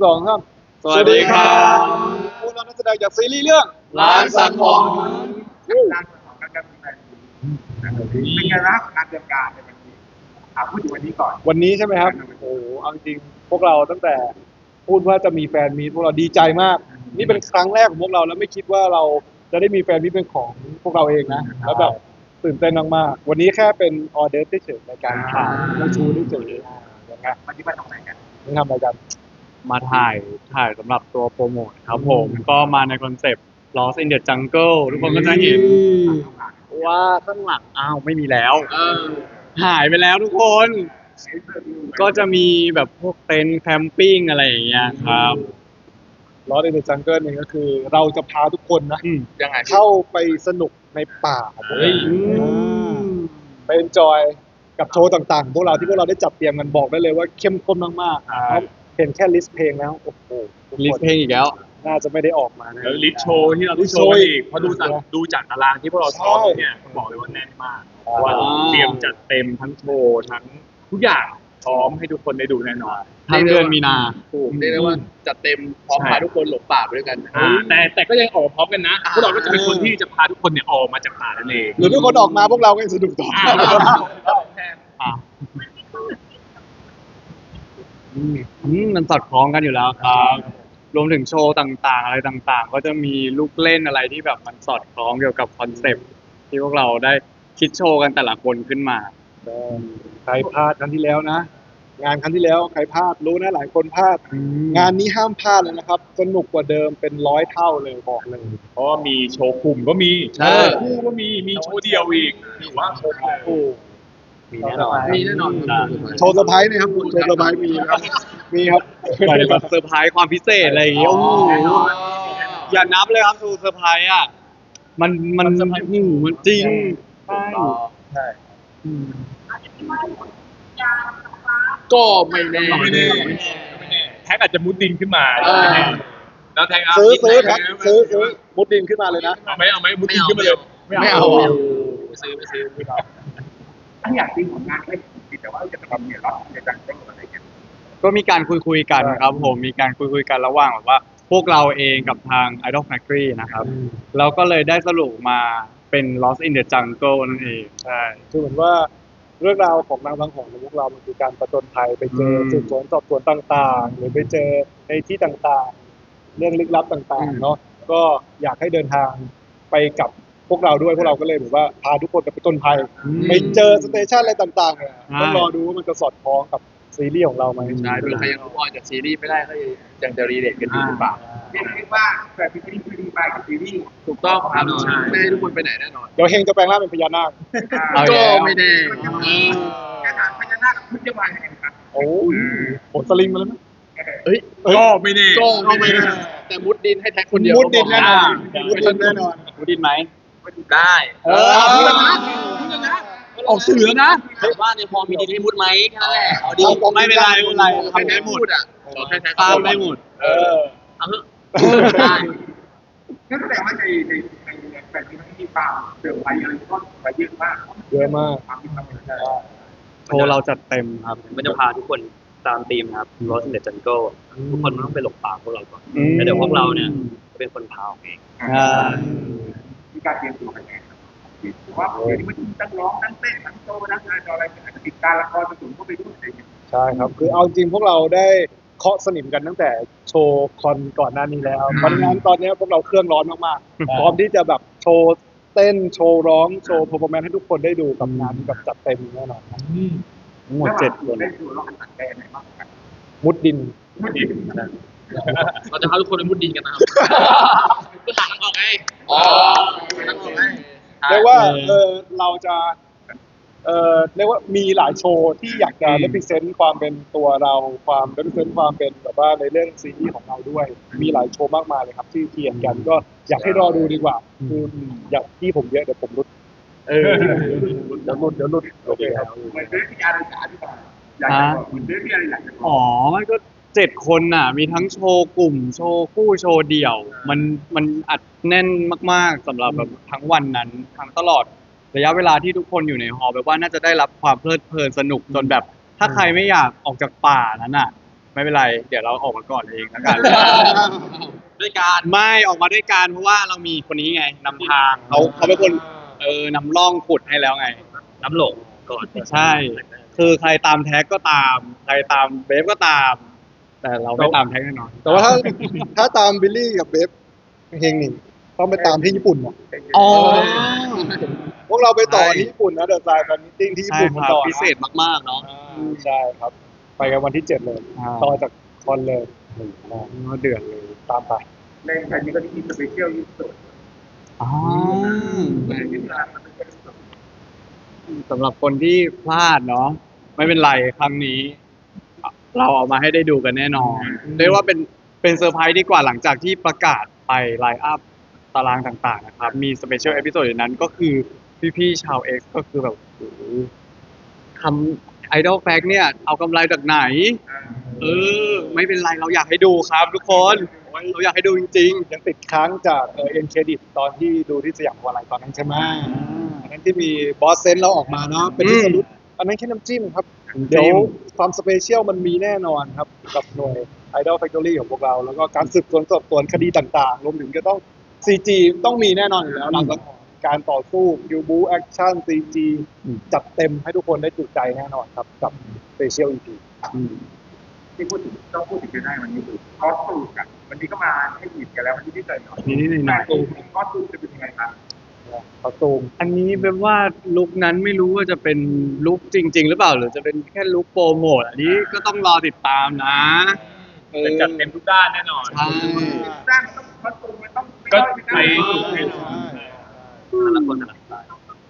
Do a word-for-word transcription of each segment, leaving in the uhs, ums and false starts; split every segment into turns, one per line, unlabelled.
สองครับ
สวัสดีครับ
พวกเรานักแสดงจากซีรีส์เรื่อง
ร้านสังทอง
ร้านของการการแสดงเป็นไงบ้างการเตรียมการในวันนี้อ่ะพูดถึงวันนี้ก่อน
วันนี้ใช่ไหมครับโอ้โหเอาจริงพวกเราตั้งแต่พูดว่าจะมีแฟนมีตพวกเราดีใจมากนี่เป็นครั้งแรกของพวกเราแล้วไม่คิดว่าเราจะได้มีแฟนมีตเป็นของพวกเราเองนะแล้วแบบตื่นเต้นมากๆวันนี้แค่เป็นออเดอร์เฉยๆในการถ่ายและชูเฉยๆอย่างเงี้ย
วันนี้มาทำอะไรกัน
นี่ทำอะไรกัน
มาถ่ายถ่ายสำหรับตัวโปรโมทครับผมก็มาในคอนเซปต์ Lost in the Jungle ทุกคนก็จะเห็นว่าข้างหลังอ้าวไม่มีแล้วหายไปแล้วทุกคน ก็จะมีแบบพวกเต็นท์แคมปิ้งอะไรอย่างเงี้ยครับ
ล้อในเดอะจังเกิลนี่ก็คือเราจะพาทุกคนนะ
อืมยังไง
เข้าไปสนุกในป่า
เฮ้ย
ไปเอนจอยกับโชว์ต่างๆ พวกเราที่พวกเราได้จัดเตรียมกันบอกได้เลยว่าเข้มข้นมากๆครับเห็นแค่ลิสต์เพลงแล้วโอ้โหทุกคน
ลิสต์เพลงอีกแล้ว
น่าจะไม่ได้ออกมานะ
แล้วลิสต์โชว์ที่เราต้องโชว์อีกเพราะดูจากดูจากตารางที่พวกเราซ้อมเนี่ยบอกเลยว่าแน่นมากเพราะว่าเตรียมจัดเต็มทั้งโชว์ทั้งทุกอย่างพร้อมให้ทุกคนได้ดูแน่นอน
ทั้งเดือนมีนา
ถูกเรียกได้ว่าจัดเต็มพร้อม
ใช่
พาทุกคนหลงป่าไปด้วยกัน
อ่าแต่แต่ก็ยังออกมาพร้อมกันนะพวกเราก็จะเป็นคนที่จะพาทุกคนเนี่ยออกมาจากป่านั่นเอง
หรือทุกคนออกมาพวกเราก็ยังสนุกต่อ
อ่ะอืมอืมมันสอดคล้องกันอยู่แล้วครับ รวมถึงโชว์ต่างๆ อะไรต่างๆ ก็จะมีลูกเล่นอะไรที่แบบมันสอดคล้องเกี่ยวกับคอนเซปต์ที่พวกเราได้คิดโชว์กันแต่ละคนขึ้นมา
ใครพลาดครั้งที่แล้วนะ งานครั้งที่แล้วใครพลาดรู้นะหลายคนพลาด งานนี้ห้ามพลาดเลยนะครับสนุกกว่าเดิมเป็นร้อยเท่าเลยบอกเลย
เพราะว่ามีโชว์กลุ่มก็มี
ใช่
โชว์คู่ก็มีมีโชว์เดียวอีกถือว่าครบเลย
โอ้
มีแน่นอน
มีแน่นอน
โชว์เซอร์ไพรส์นะครับโชว์เซอร์ไพรส์มีครับมีครับ
ไปแบบเซอร์ไพรส์ความพิเศษอะไรอย่างเงี้ยโอ้โหอย่านับเลยครับทูเซอร์ไพรส์อ่ะมันมันหูมันจริงใช่
ใช่ก็ไม่แน่
ไม่แน่ไม่แน่ไม่แน่แท็กอาจจะมุดดินขึ้นมา
เออ
ไม่แน่แล้วแท็กเอา
ซื้อซื้อครับซื้อซื้อมุดดินขึ้นมาเลยนะ
เอาไหมเอาไหมมุดดินขึ้นมาเลย
ไม่เอาไม่เอาซื้อไม่ซื้อ
ถ้าอยากตีผลงานให้ดีแต่ว่าจะทำเนี่ยรับในการเต้นอะไรกัน
ก็มีการคุยคุยๆกันครับผมมีการคุยคุยๆกันระหว่างแบบว่า พวกเราเองกับทาง Idol Factory นะครับเราก็เลยได้สรุปมาเป็น Lost in the Jungle นั่นเองใช่
คือเหมือนว่าเรื่องราวของนางบางของของพวกเรามันคือการประจนภัยไปเจอ
อืม
สืบสวนสอบสวนต่างๆ หรือไปเจอในที่ต่างๆ เรื่องลึกลับต่างๆเนาะก็อยากให้เดินทางไปกับพวกเราด้วยพวกเราก็เลยแบบว่าพาทุกคนไปประจนภัยไปเจอสเตชันอะไรต่างๆเนี่ยต้องรอดูว่ามันจะสอดคล้องกับซีรีส์ของเราไหม
ใช่เวลาใครยังรู้ออนจากซีรีส์ไม่ได้ก็ยังจะรีเลทกันอยู่หรือเปล่า
เรียกได้ว่าแบบซีรีส์คือดีไปกับซีรีส์
ถูกต้องครับไม่ให้ทุกคนไปไหนแน่นอน
เดี๋ยวเฮงจะแปลงร่างเป็นพญานาค
เอา
ก็
แล้ว
ไม่แน่
กระถางพญานาคพุทธวายแห่งครับ
โอ้ยผลสลิงมาแล้วไหม
เฮ้ย
ก็ไม่แน่
ก็ไม่แน่แต่มุดดินให้แท็กคนเดียว
มุดดินแน่นอน
ก็
มุดดินแน่นอน
รู้ดินไหม
ได้
เออ
ออกสื่อแล้วนะ
ว่าเนี่ยพอมีดินให้มุดไหมแค่นั้นแหละเอาดิ
ไม่เป็นไรไม่เป็นไร
ใครแท็กพูดอ่ะขอแค่แท็ก
ตามได้หมด
เออ
เอาเถอะได้
นั่นแสดงว่าในในในแบบที่มันมีความเสื่อมไปอะไรก็ไปเยอะมาก
เยอะมาก
ความที่ทำอะไร
โชว์เราจัดเต็มครับ
มันจะพาทุกคนตามธีมครับ Lost in the Jungle ทุกคนมันต้องไปหลบป่าพวกเราก่อน
อืม
แล้วเดี๋ยวพวกเราเนี่ยจะเป็นคนพาออกเอง
อ่า
มีการเตรียมตัวกันไงเพราะว่าเดี๋ยวนี้มันตั้งร้องตั้งเต้นตั้งโตตั้งงานอะไรอาจจะติดการละครผสมเข้าไปด้วยอะไรอย่างเงี้ย
ใช่ครับ คือเอาจริงพวกเราได้เคาะสนิมกันตั้งแต่โชว์คอนก่อนหน้านี้แล้วเพราะฉะนั้นตอนนี้พวกเราเครื่องร้อนมากๆ พร้อมที่จะแบบโชว์เต้นโชว์ร้องโชว์เพอร์ฟอร์แมนซ์ให้ทุกคนได้ดูกับงานแบบจัดเต็มแน่นอนครับ
ทั้งหมดเจ็ดคน
ได้ดูร้องตัดแดนไหนบ้างกัน
มุดดิน
ไม่ดี
เราจะพาทุกคนไปมุดดินกันนะครับก็หาทางออกไงอ๋อทางออกไง
เรียกว่าเออเราจะเออเรียกว่ามีหลายโชว์ที่อยากจะ represent ความเป็นตัวเราความ represent ความเป็นแบบว่าในเรื่องซีรีส์ของเราด้วย มีหลายโชว์มากมายเลยครับที่เทียนกันก็อยากให้รอดูดีกว่าคืออยากที่ผมเยอะเดี๋ยวผมรุดเออเดี๋ยวรุดเดี๋ยวรุดโอเคครับ
เหมือนเรื่องที่อะไรจะอธิบายอยากจะบอกเหมือนเรื่องที่อะไรอยากจะบอก
อ๋อ มันก็เจ็ดคนน่ะ มีทั้งโชว์กลุ่ม โชว์คู่ โชว์เดี่ยว มัน มันอัดแน่นมากๆสำหรับแบบทั้งวันนั้น ทั้งตลอดระยะเวลาที่ทุกคนอยู่ในฮอลล์แบบว่าน่าจะได้รับความเพลิดเพลินสนุกจนแบบ ถ้าใครไม่อยากออกจากป่านั้นน่ะไม่เป็นไร เดี๋ยวเราออกมาก่อนเองแล้วกัน
ด้วยการ
ไม่ออกมาด้วยกันเพราะว่าเรามีคนนี้ไงนำทางเขาเขาเป็นคนเออนำร่องขุดให้แล้วไง
น้ำหลงก่อน
ใช่ คือใครตามแท็กก็ตาม ใครตามเบฟก็ตาม แต่เราไม่ตามแท็กแน่นอน
แต่ว่าถ้าถ้าตามบิลลี่กับเบฟเฮงหนึ่งต้องไปตามที่ญี่ปุ่นนะ
อ๋อ
พวกเราไปต่อ
ใช่
ที่ญี่ปุ่นนะเดอะไซน์แฟนมิทติ้งที่ญี่
ใช่
ปุ่น
ค
กัน
รับ
ต่อนะ
พิเศษมากๆเนาะ
อ่าใช่ครับ ไปกันวันที่เจ็ดเลย
อ่า
ต่อจากคอนเลย
เดือดเลย
ตามไป
ในไทยนี้ก็มีสเปเชียลยูสุด
อ๋อ
ในที่ร้านมันเป็นสุด
สำหรับคนที่พลาดเนาะไม่เป็นไรครั้งนี้ เราเอามาให้ได้ดูกันแน่นอนเรียกว่าเป็นเป็นเซอร์ไพรส์ดีกว่าหลังจากที่ประกาศไปไลน์อัพตารางต่างๆนะครับ มีสเปเชียลเอพิโซดในนั้นก็คือพี่ๆชาว X ก็คือแบบโอ้โหทำไอดอลแฟกเนี่ย เอากำไรจากไหน เออ ไม่เป็นไรเราอยากให้ดูครับทุกคน เราอยากให้ดูจริง
ยังติดค้างจากเอ็นเครดิตตอนที่ดูที่สยามวาไลตอนนั้นใช่ไหมอันนั้นที่มีบอสเซนเราออกมาเนาะเป็นที่สรุปอันนั้นแค่น้ำจิ้มครับ
ๆ
เดี๋ยวความสเปเชียลมันมีแน่นอนครับ กับหน่วย Idol Factory ของพวกเรา แล้วก็การสืบสวนสอบสวนคดีต่างๆ รวมถึงจะต้อง ซี จี ต้องมีแน่นอนอยู่แล้วหลังจากการต่อสู้คิวบูแอคชั่น ซี จี จัดเต็มให้ทุกคนได้จุใจแน่นอนครับ กับสเปเชียล อี พี
ที่พูดถึงต้องพูดถึงกันได้วันนี้คือคอสตูมกันวันนี้ก็มาให้หยิบกันแล้ววันนี้ที่เจอเนาะ
นิดๆหน่อย
คอสตูมคอสตูมจะเป็นยังไงครับ
คอสตูม
ๆอันนี้เป็นว่าลุคนั้นไม่รู้ว่าจะเป็นลุคจริง ๆ หรือเปล่า หรือจะเป็นแค่ลุคโปรโมทอันนี้ก็ต้องรอติดตามนะเออ
เป็นจัดเต็มทุกด้านแน่นอน
ใช่
สร้างต้องคอสตูมมันต้อง
ก็
ไม่
ไป
ได้
ให้
แต่ละคนแต่ละสไตล์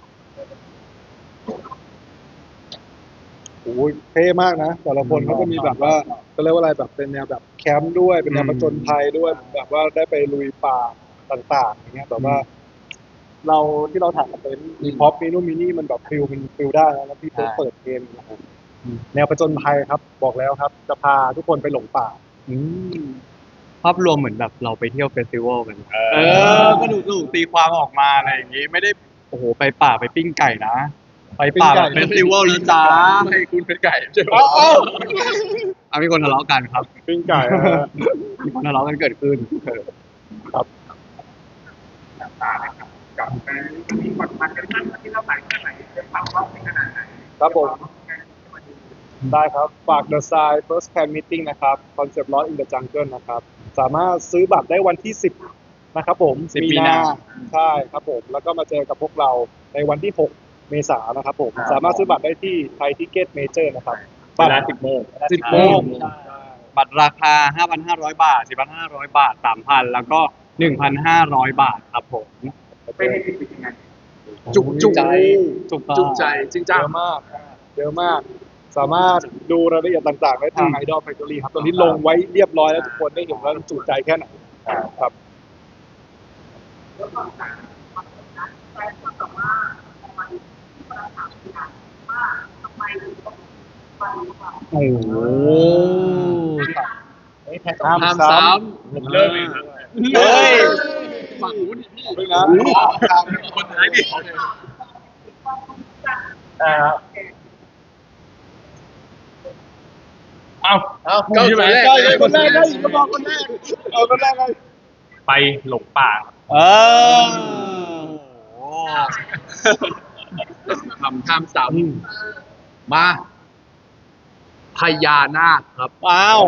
โอ้ยเท่มากนะ แต่ละคนเขาก็มีแบบว่าเขาเรียกว่าอะไรแบบเป็นแนวแบบแคมป์ด้วยเป็นแนวผจญภัยด้วยแบบว่าได้ไปลุยป่าต่างๆอย่างเงี้ยแบบว่า เราที่เราถ่ายกับเต็นท์มีพ็อปมีนู่นมีนี่มันแบบฟิลมันฟิลได้นะแล้วพี่เพิ่งเปิดเพลงนะครับแนวผจญภัยครับ บอกแล้วครับ จะพาทุกคนไปหลงป่า
อืมภาพรวมเหมือนแบบเราไปเที่ยวเฟสติวัลกัน
เอ
เออก็ดูดูตีความออกมาอะไรอย่างงี้ ไม่ได้โอ้โหไปป่าไปปิ้งไก่นะ ไปป่าแบบเฟสติวัลแล้วจ้า
ให้คุณเป็นไก่ใช่ไหม
เอ้าเอ้า
เอามีคนทะเลาะกันครับ
ปิ้งไก่นะฮะ
มีคนทะเลาะกันเกิดขึ้นเออ
ต่างๆนะครับกับไปมีบทมันกันบ้างที่เราใส่แค่ไหนเป็นความร้องในขนาดไหน
ครับผม ได้ครับ ฝาก The Sign First Fan Meeting นะครับ Concept Lost in the Jungle นะครับ สามารถซื้อบัตรได้วันที่ สิบ นะครับผม
สิบมีนา
ใช่ครับผม แล้วก็มาเจอกับพวกเราในวันที่ หก เมษายนนะครับผม สามารถซื้อบัตรได้ที่ไทยทิเก็ตเมเจอร์นะครับ
เวลาสิบโมง
สิบโมง
บัตรราคา ห้าพันห้าร้อย บาท สี่พันห้าร้อย บาท สามพัน แล้วก็ หนึ่งพันห้าร้อย บาทครับผม
เป็นในที่เป็นยังไง
จุกจุก
ใจถูกต้อง
จุใจจริง
เย
จัง
อะมาก เยอะมาก สามารถดูรายละเอียดต่างๆ ได้ทาง Idol Factory ครับ ตอนนี้ลงไว้เรียบร้อยแล้วทุกคนได้เห็นว่าจุใจแค่ไหนครับ
โอ้โห
ห้าม
ห้าม
ซ้
ซ้
ผมเริ่มเองครับ
ำเฮ้ย
ฝั่งนู้นพี่
ำด้วยนะ
คนท้ายดิ
อ่า
เอ้า
เอา
ก็คนแรก
ได้เลยคนแรกได้ก็บอกคนแรกเออคนแรกเลย
ไปหลงป่า
เออ
ทำข้ามสามมาพญานาคครับ
อ้าว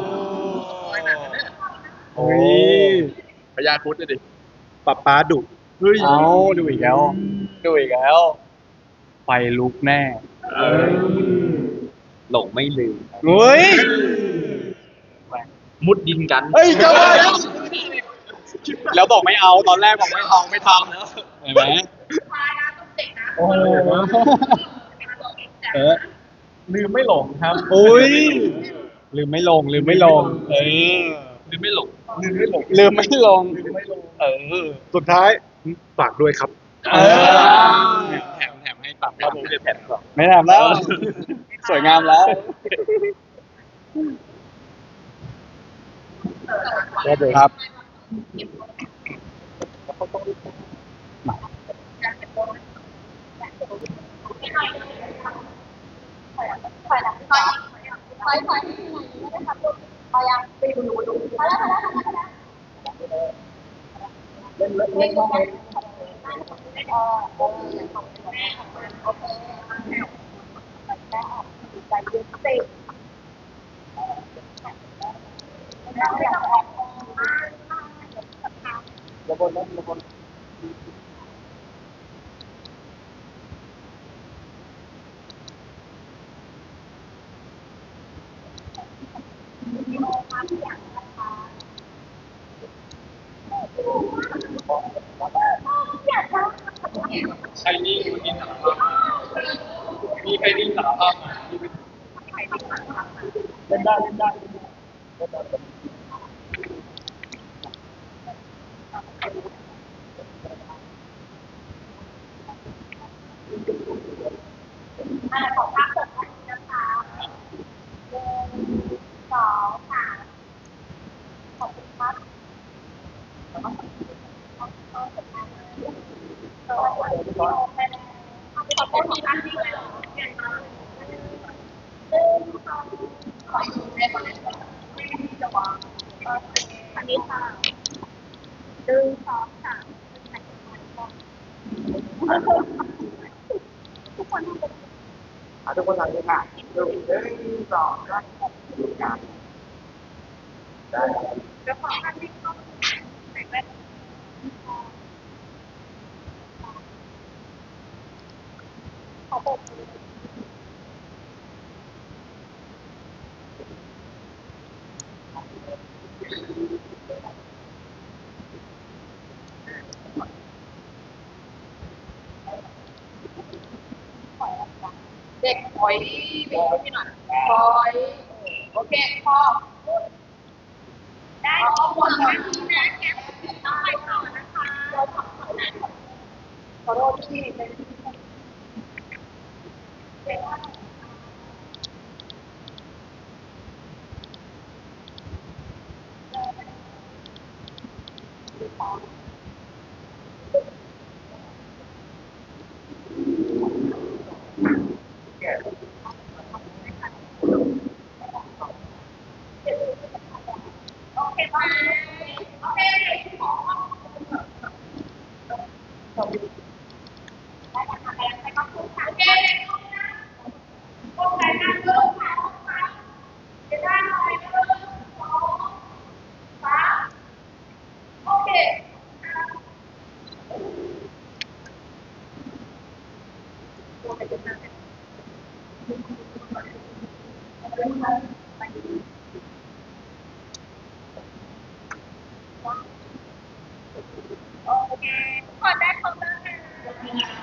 โอ้ย
พญาครุฑเลยดิ
ป๊าป๊าดุ
เฮ้ยเอาดูอีกแล้ว ดูอีกแล้ว ไฟลุกแน่
หลงไม่ลืม
เฮ้ย
มุดดินกัน
เฮ้ยจะว่าแล้ว
แล้วบอกไม่เอา ตอนแรกบอกไม่เอาไม่ทำแล้วเห็นไหม
โอ้โหเออ
ลืมไม่หลงครับ
อุ้ย ลืมไม่ลง ลืมไม่ลง เออ
ลืมไม่หลง
ลืมไม่หลง
ลืมไม่ลง เออ
สุดท้ายฝากด้วยครับ
เออ แถมแถมให้ตับครับผมแถมก่อนไม่แถมแล้ว สวยงามแล้ว ครับ
ถอยหลังถอยถอยถอยถอยถอย
เล่นเล่นเล่นบ้างไหม ระบนนะระบน
ใครนี่มันกินสารภาพมีใครนี่สารภาพมา
เล่นได้เล่นได้เล่นได้อ่ะทุกคนทำเลยค่ะหนึ่งหนึ่งสองสามได้
เด็กถอยไปที่หน่อยถอยโอเคพอได้ขอบคุณนะนะแกต้องไปต่อนะคะขอโทษที่เป็นโอเคไปโอเคได้ค่ะไปไปก็พูดค่ะโอเคโอเคนะเริ่มค่ะจะได้หน่อยหนึ่งสองสามโอเคโอเคขอได้ขอบคุณค่ะ